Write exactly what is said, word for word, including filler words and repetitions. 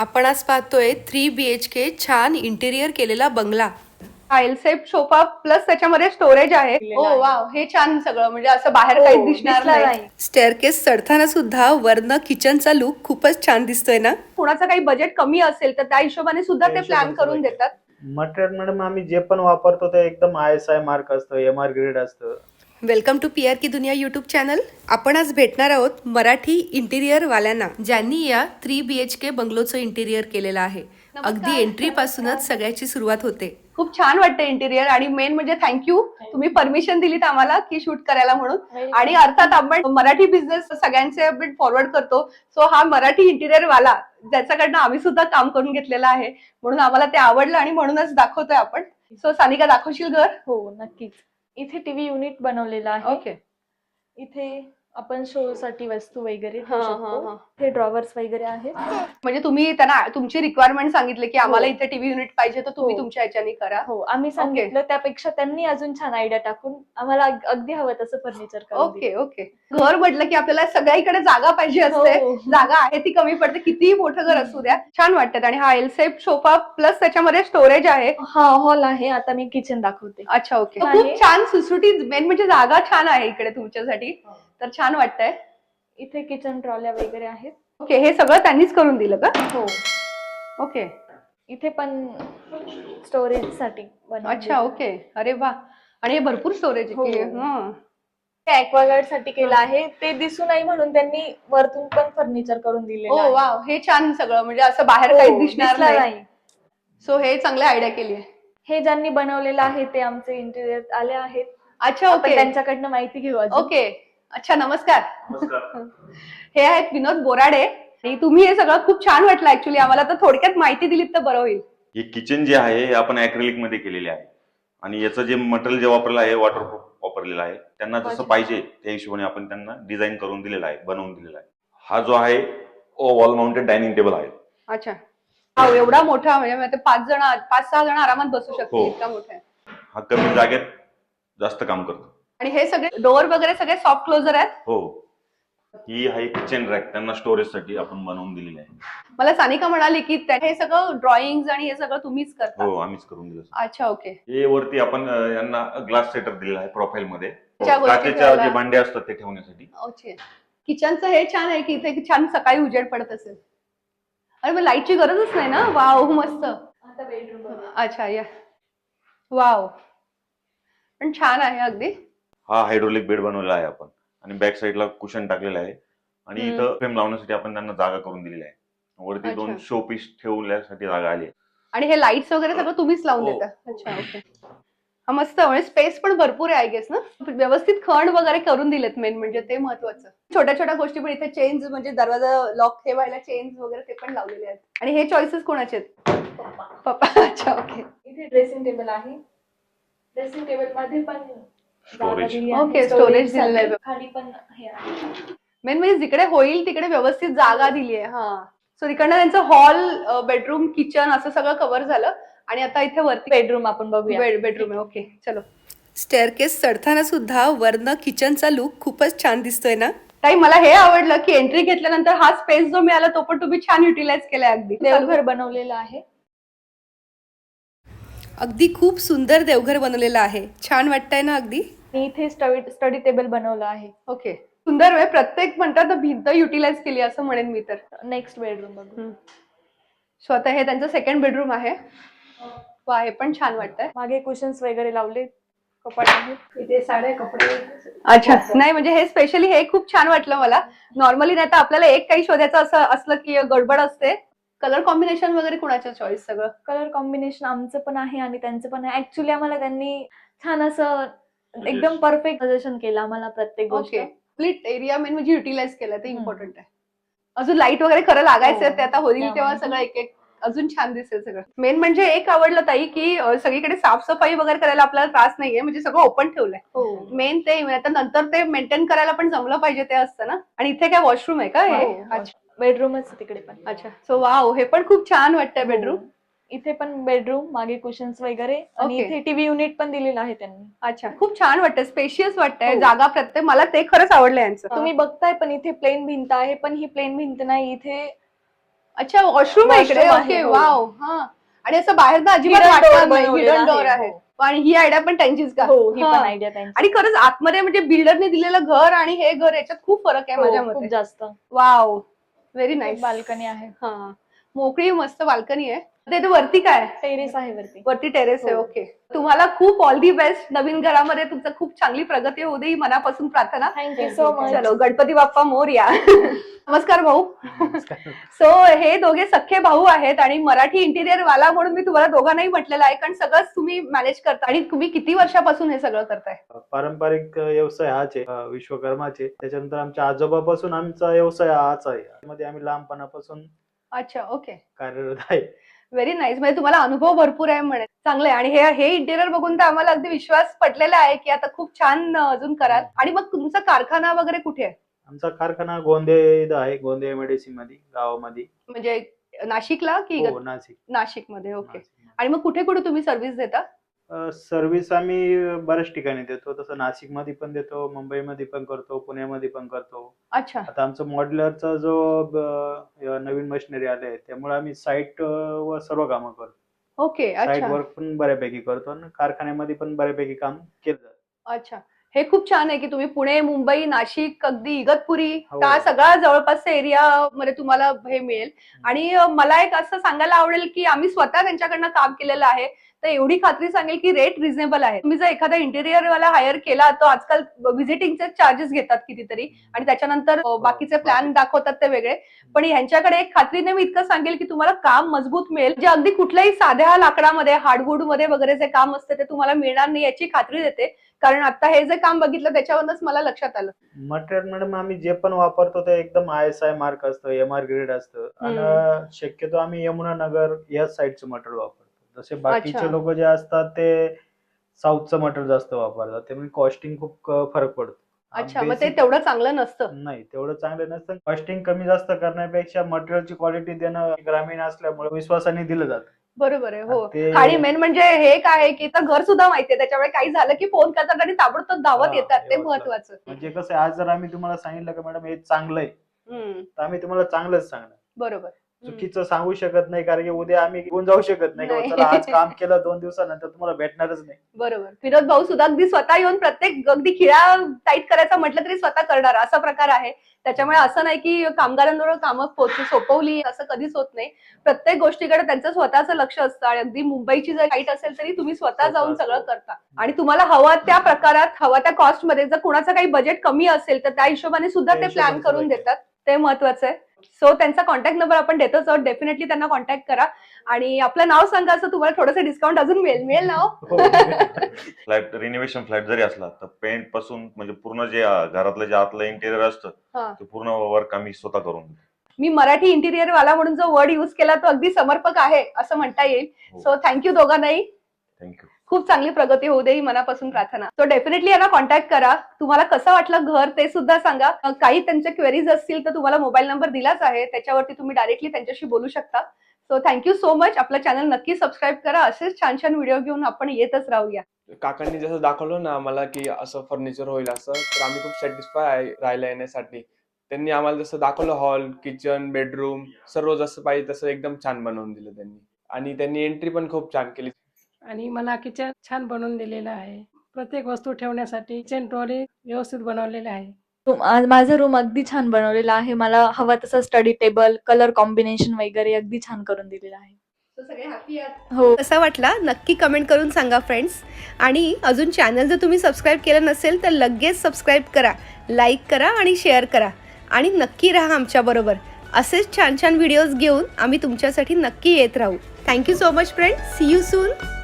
आपण आज पाहतोय थ्री बी एच के छान इंटेरियर केलेला बंगला. हा एल शेप सोफा प्लस त्याच्यामध्ये स्टोरेज आहे. ओ वाव, हे छान सगळं म्हणजे असं बाहेर हो, काही दिसणार दिसणार नाही. नाही. स्टेअरकेस चढताना सुद्धा वरनं किचनचा लुक खूपच छान दिसतोय ना. कोणाचं काही बजेट कमी असेल तर त्या हिशोबाने सुद्धा ते प्लॅन करून देतात. मटेरियल मॅडम आम्ही जे पण वापरतो ते एकदम आय एस आय मार्क असतं, एम आर ग्रेड असतं. वेलकम टू पी आर की दुनिया यूट्यूब चॅनल. आपण आज भेटणार आहोत मराठी इंटिरियर वाल्यांना ज्यांनी या थ्री बी एच के बंगलोचं इंटिरियर केलेलं आहे. अगदी एंट्री पासूनच सगळ्याची सुरुवात होते. खूप छान वाटतं इंटिरियर आणि मेन म्हणजे थँक्यू, तुम्ही परमिशन दिलीत आम्हाला की शूट करायला म्हणून. आणि अर्थात आपण मराठी बिझनेस सगळ्यांचे फॉरवर्ड करतो, सो हा मराठी इंटिरियर वाला ज्याच्याकडनं आम्ही सुद्धा काम करून घेतलेलं आहे म्हणून आम्हाला ते आवडलं आणि म्हणूनच दाखवतोय आपण. सो सानिका, दाखवशील घर? हो, नक्कीच. इथे टीव्ही युनिट बनवलेलं आहे. ओके. इथे आपण शो साठी वस्तू वगैरे हा, ठेवू हा, शकतो. हा. इथे ड्रॉवर्स वगैरे आहेत. म्हणजे तुम्ही त्यांना तुमची रिक्वायरमेंट सांगितले की आम्हाला हो. इथे टीव्ही युनिट पाहिजे तर तुम्ही हो. तुमच्या ह्याच्याने करा. हो, आम्ही सांगितलं त्यापेक्षा त्यांनी अजून छान आयडिया टाकून आम्हाला अग- अगदी हवं तसं फर्निचर करून ओके ओके. घर म्हटलं की आपल्याला सगळ्याकडे जागा पाहिजे असते. हो. जागा आहे ती कमी पडते, कितीही मोठं घर असू द्या. छान वाटतात. आणि हा एल शेप सोफा प्लस त्याच्यामध्ये स्टोरेज आहे. हा हॉल आहे. आता मी किचन दाखवते. अच्छा, ओके. आहे. खूप छान सुटसुटीत, मेन म्हणजे जागा छान आहे इकडे तुमच्यासाठी, तर छान वाटतंय. इथे किचन ट्रॉल्या वगैरे आहेत. ओके, हे सगळं त्यांनीच करून दिलं का? हो, ओके. इथे पण स्टोरेज साठी अच्छा, ओके. अरे वा. आणि हे भरपूर स्टोरेज हो. आहे. हं. ऍक्वागार्ड साठी केलं आहे. ते दिसू नये म्हणून त्यांनी वरतून पण फर्निचर करून दिलेलं ओ आहे. वाव, हे छान सगळं म्हणजे असं बाहेर हो, काही दिसणार नाही. नाही. सो हे चांगली आयडिया केली आहे. हे ज्यांनी बनवलेलं आहे ते आमचे इंटेरियर आले आहेत. अच्छा, आपण ओके. त्यांच्याकडनं माहिती घेऊ अजून. ओके. अच्छा, नमस्कार. हे आहेत विनोद बोराडे. आणि तुम्ही हे सगळं खूप छान वाटलं ऍक्च्युली आम्हाला, तर थोडक्यात माहिती दिलीत तर बरं होईल. हे किचन जे आहे हे आपण ऍक्रेलिक मध्ये केलेले आहे आणि याचं जे मटेरियल जे वापरलं आहे वॉटरप्रूफ वापरलेलं आहे. त्यांना जसं पाहिजे त्या हिशोबाने आपण त्यांना डिझाईन करून दिलेला आहे, बनवून दिलेला आहे. हा जो आहे वॉल माउंटेड डायनिंग टेबल आहे. अच्छा. हा एवढा मोठा म्हणजे ते पाच जण पाच सहा जण आरामात बसू शकतील, हो. इतका मोठा आहे. हा कमी जागेत जास्त काम करतो. आणि हे सगळे डोअर वगैरे सगळे सॉफ्ट क्लोजर आहेत. हो, ही आहे किचन रॅक, त्यांना स्टोरेज साठी आपण बनवून दिलेली आहे. मला सानिका म्हणाली की त्या- हे सगळं ड्रॉइंग आणि हे सगळं तुम्हीच करता. हो, आम्हीच करून दिलं. अच्छा, ओके. हे वरती आपण अं, यांना ग्लास सेटअप दिलेला आहे प्रोफाईल मध्ये. त्या गोष्टी काचेच्या ठेवायला. जे भांडे असतात ते ठेवण्यासाठी. ओके. किचनचं हे छान आहे की इथे छान सकाळी उजेड पडत असेल. अरे मग लाईटची गरजच नाही ना. वाव, मस्त. आता बेडरूम अच्छा, या. वाव, पण छान आहे अगदी. हा हायड्रोलिक बेड बनवलेला आहे आपण आणि बॅक साईडला कुशन टाकलेलं आहे आणि हम्म. इथं फ्रेम लावण्यासाठी आपण त्यांना जागा करून दिलेली आहे. वरती अच्छा. दोन शो पीस ठेवण्यासाठी जागा आली आहे. आणि हे लाईट्स वगैरे सगळं तुम्हीच लावून हो. देता. अच्छा, ओके. हा मस्त, म्हणजे स्पेस पण भरपूर आहे आय गेस ना. व्यवस्थित खण वगैरे करून दिलेत, मेन म्हणजे ते महत्वाचं. छोट्या छोट्या गोष्टी पण इथे चेंज, म्हणजे दरवाजा लॉक ठेवायला चेंज वगैरे ते पण लावलेले आहेत. आणि हे चॉईसेस कोणाचे आहेत? पप्पा. अच्छा, ओके. इथे ड्रेसिंग टेबल आहे. ड्रेसिंग टेबल मध्ये पण Storage. Okay, storage दिलेलं आहे. खाली पण हे आहे. मेन म्हणजे जिकडे होईल तिकडे व्यवस्थित जागा दिली आहे. हा. सो तिकडनं त्यांचं हॉल, बेडरूम, किचन असं सगळं कव्हर झालं. आणि आता इथे वरती बेडरूम आपण बघूया. बेडरूम आहे. ओके, चलो. स्टेअरकेस चढताना सुद्धा वरनं किचनचा लुक खूपच छान दिसतोय ना. ताई, मला हे आवडलं की एंट्री घेतल्यानंतर हा स्पेस जो मिळाला तो पण तुम्ही छान युटिलाइज केलाय. अगदी देवघर बनवलेलं आहे. अगदी खूप सुंदर देवघर बनवलेलं आहे. छान वाटतंय ना अगदी. मी इथे स्टडी स्टडी टेबल बनवलं आहे. ओके. सुंदर आहे. प्रत्येक म्हणतात ना भिंत युटिलाइज केली असं म्हणेन मी तर. नेक्स्ट बेडरूम बघू. सो आता हे त्यांचं सेकंड बेडरूम आहे. वा, हे पण छान वाटतंय. मागे कुशन्स वगैरे लावले, कपाट आहे. इथे साड्या, कपडे. अच्छा, नाही म्हणजे हे स्पेशली हे खूप छान वाटलं मला. नॉर्मली नाही तर आपल्याला एक काही शोधायचं असं असलं की गडबड असते. कलर कॉम्बिनेशन वगैरे कुणाचं चॉईस? सगळं कलर कॉम्बिनेशन आमचं पण आहे आणि त्यांचं पण आहे. ऍक्च्युली आम्हाला त्यांनी छान असं एकदम परफेक्ट सजेशन केलं आम्हाला प्रत्येक गोष्ट. ओके. स्प्लिट एरिया मेन म्हणजे युटिलाइज केलं, ते इम्पॉर्टंट आहे. अजून लाईट वगैरे खरं लागायचं हो. ते आता होईल तेव्हा त्यामुळे. सगळं एक एक अजून छान दिसेल सगळं. मेन म्हणजे एक आवडलं ताई की अं, सगळीकडे साफसफाई वगैरे करायला आपल्याला त्रास नाहीये, म्हणजे सगळं ओपन ठेवलंय. हो. मेन ते आता नंतर ते मेंटेन करायला पण जमलं पाहिजे ते असतं ना. आणि इथे काय वॉशरूम आहे का हे? हो. अच्छा, बेडरूमच तिकडे पण. अच्छा. सो वाव, हे पण खूप छान वाटतंय बेडरूम. हो. इथे पण बेडरूम, मागे कुशन्स वगैरे आणि Okay. इथे टीव्ही युनिट पण दिलेलं आहे त्यांनी. अच्छा, खूप छान वाटतंय, स्पेशियस वाटतंय. हो. जागा प्रत्येक, मला ते खरंच आवडलं यांचं. तुम्ही बघताय पण इथे प्लेन भिंत आहे, पण ही प्लेन भिंत नाही. इथे अच्छा वॉशरूम आहे इकडे. Washroom ओके आहे, हो. वाव. हा आणि असं बाहेर ना अजिबात Hidden door वाटणार नाही. बनवलेलं हिडन डोअर आहे, आहे. हो. आणि ही आयडिया पण त्यांचीच का? हो ही हा. पण आयडिया त्यांची. आणि खरंच आतमध्ये म्हणजे बिल्डरने दिलेलं घर आणि हे घर याच्यात खूप फरक आहे माझ्या हो, मते. खूप जास्त. Wow very nice. बाल्कनी आहे, हा मोकळी मस्त बाल्कनी आहे. ते वरती काय टेरेस आहे वरती. वरती टेरेस आहे. हो. ओके तुम्हाला खूप ऑल दी बेस्ट. नवीन घरामध्ये तुमचं खूप चांगली प्रगती होऊ दे ही मनापासून प्रार्थना. Thank you so much. चलो गणपती बाप्पा मोरया. नमस्कार भाऊ. सो हे दोघे सख्खे भाऊ आहेत आणि मराठी इंटिरियर वाला म्हणून मी तुम्हाला दोघांनाही म्हटलेलं आहे कारण सगळंच तुम्ही मॅनेज करता. आणि तुम्ही किती वर्षापासून हे सगळं करताय? पारंपरिक व्यवसाय हाच आहे अं, विश्वकर्माचे. त्याच्यानंतर आमच्या आजोबापासून आमचा व्यवसाय हाच आहे. त्यामध्ये आम्ही लहानपणापासून अच्छा ओके कार्यरत आहे. Very nice. म्हणजे तुम्हाला अनुभव भरपूर आहे म्हणे. चांगलं आहे. आणि हे हे इंटिरियर बघून तर आम्हाला अगदी विश्वास पटलेला आहे की आता खूप छान अजून कराल. आणि मग तुमचा कारखाना वगैरे कुठे आहे? आमचा कारखाना गोंदे इथं आहे. गोंदे एमआयडीसी मध्ये गावामध्ये. म्हणजे नाशिकला की हो नाशिक. नाशिक मध्ये? ओके. नाशिक. आणि मग कुठे कुठे तुम्ही सर्व्हिस देता? सर्व्हिस आम्ही बऱ्याच ठिकाणी देतो. तसं नाशिक मध्ये पण देतो, मुंबईमध्ये पण करतो, पुण्यामध्ये पण करतो. अच्छा आता आमचं मॉड्युलरचा जो ब- नवीन मशिनरी आले आहे त्यामुळे आम्ही साईट वर सर्व कामं करतो. ओके. साईट अच्छा वर्क पण बऱ्यापैकी करतो आणि कारखान्यामध्ये पण बऱ्यापैकी काम केलं जातं. अच्छा हे खूप छान आहे की तुम्ही पुणे, मुंबई, नाशिक, अगदी इगतपुरी हो. का सगळा जवळपासच्या एरिया मध्ये तुम्हाला हे मिळेल. आणि अ, मला एक असं सांगायला आवडेल की आम्ही स्वतः त्यांच्याकडनं काम केलेलं आहे तर एवढी खात्री सांगेल की रेट रिझनेबल आहे. तुम्ही जर एखादा इंटिरियर वाला हायर केला तर आजकाल व्हिजिटिंगचे चार्जेस घेतात कितीतरी आणि त्याच्यानंतर अ, बाकीचे प्लॅन दाखवतात ते वेगळे. पण ह्यांच्याकडे एक खात्रीने मी इतकं सांगेल की तुम्हाला काम मजबूत मिळेल जे अगदी कुठल्याही साध्या लाकडामध्ये हार्डवुड मध्ये वगैरे जे काम असते ते तुम्हाला मिळणार नाही याची खात्री देते. कारण आता हे जे काम बघितलं त्याच्यावरूनच मला लक्षात आलं. मटेरियल मॅडम आम्ही जे पण वापरतो ते एकदम आय एस आय मार्क असतं, एम आर ग्रेड असतं आणि शक्यतो आम्ही यमुनानगर या साईडचं मटेरियल वापरतो. जसे बाकीचे अच्छा. लोक जे असतात ते साऊथचं मटेरियल जास्त वापरतात त्यामुळे कॉस्टिंग खूप क- फरक पडतो. अच्छा मग ते Basic- तेवढं चांगलं नसतं. नाही तेवढं चांगलं नसतं. कॉस्टिंग कमी जास्त करण्यापेक्षा मटेरियलची क्वालिटी देणं ग्रामीण असल्यामुळे विश्वासाने दिलं जातं. बरोबर आहे. हो ते- आणि मेन म्हणजे हे काय आहे की तर घर सुद्धा माहितीये त्याच्यामुळे काही झालं की फोन करतात आणि ताबडतोब धावत हा, येतात. ते एवढंच. महत्वाचं. म्हणजे कसं आहे, आज जर आम्ही तुम्हाला सांगितलं की मॅडम हे चांगलं आहे हम्म, तर आम्ही तुम्हाला चांगलंच सांगणार. बरोबर. हम्म. चुकीचं सांगू शकत नाही कारण की उद्या आम्ही घेऊन जाऊ शकत नाही. नाही. की चला आज काम केलं दोन दिवसानंतर तुम्हाला भेटणारच नाही. बरोबर. विनोद भाऊ सुद्धा अगदी स्वतः येऊन प्रत्येक अगदी खिळा टाईट करायचा म्हटलं तरी स्वतः करणार असा प्रकार आहे. त्याच्यामुळे असं नाही की कामगारांवर कामं पोच- सोपवली असं कधीच होत नाही. प्रत्येक गोष्टीकडे त्यांचं स्वतःचं लक्ष असतं आणि अगदी मुंबईची जर टाईट असेल तरी तुम्ही स्वतः जाऊन सगळं करता. आणि तुम्हाला हवा त्या प्रकारात हवा त्या कॉस्ट मध्ये जर कोणाचं काही बजेट कमी असेल तर त्या हिशोबाने सुद्धा त्या ते प्लॅन हिशोबाने करून सगळं देतात. ते महत्वाचं आहे. सो त्यांचा कॉन्टॅक्ट नंबर आपण देतोच आहोत. डेफिनेटली त्यांना कॉन्टॅक्ट करा आणि आपलं नाव सांगा असं तुम्हाला थोडंसं डिस्काउंट अजून मिळेल. मिळेल नाव? हो. फ्लॅट रिनोव्हेशन फ्लॅट जरी असला तर पेंट पासून म्हणजे पूर्ण जे अं, घरातलं जे आतलं इंटेरियर असतं हा. ते पूर्ण वर्क आम्ही स्वतः करून देतो. मी मराठी इंटिरियर वाला म्हणून जो वर्ड युज केला तो अगदी समर्पक आहे असं म्हणता येईल. हो. सो थँक्यू दोघांनाही. थँक्यू. खूप चांगली प्रगती होऊ दे ही मनापासून प्रार्थना. सो डेफिनेटली यांना कॉन्टॅक्ट करा. तुम्हाला कसं वाटलं घर ते सुद्धा सांगा. अ, काही त्यांच्या क्वेरीज असतील तर तुम्हाला मोबाईल नंबर दिलाच आहे त्याच्यावरती तुम्ही डायरेक्टली त्यांच्याशी बोलू शकता. So thank you so much. आपलं चॅनल नक्की सबस्क्राईब करा. असेच छान छान व्हिडिओ घेऊन आपण येतच राहूया. काकांनी जसं दाखवलं ना आम्हाला की असं फर्निचर होईल असं तर आम्ही खूप सॅटिस्फाय आहे राहायला येण्यासाठी. त्यांनी आम्हाला जसं दाखवलं हॉल, किचन, बेडरूम सर्व जसं पाहिजे तसं एकदम छान बनवून दिलं त्यांनी. आणि त्यांनी एंट्री पण खूप छान केली. आणि मला किचन छान बनवून दिलेलं आहे. प्रत्येक वस्तू ठेवण्यासाठी किचन ट्रॉली व्यवस्थित बनवलेले आहे. रूम आज माझं रूम अगदी छान बनवलेला आहे. मला हवा तसं स्टडी टेबल, कलर कॉम्बिनेशन वगैरे अगदी छान करून दिलेलं आहे. सगळे हॅपी आहात? हो. कसा वाटला नक्की कमेंट करून सांगा फ्रेंड्स. आणि अजून चॅनल जर तुम्ही सबस्क्राईब केलं नसेल तर लगेच सबस्क्राईब करा, लाईक करा आणि शेअर करा. आणि नक्की राहा आमच्याबरोबर. असेच छान छान व्हिडिओज घेऊन आम्ही तुमच्यासाठी नक्की येत राहू. Thank you so much friends. See you soon.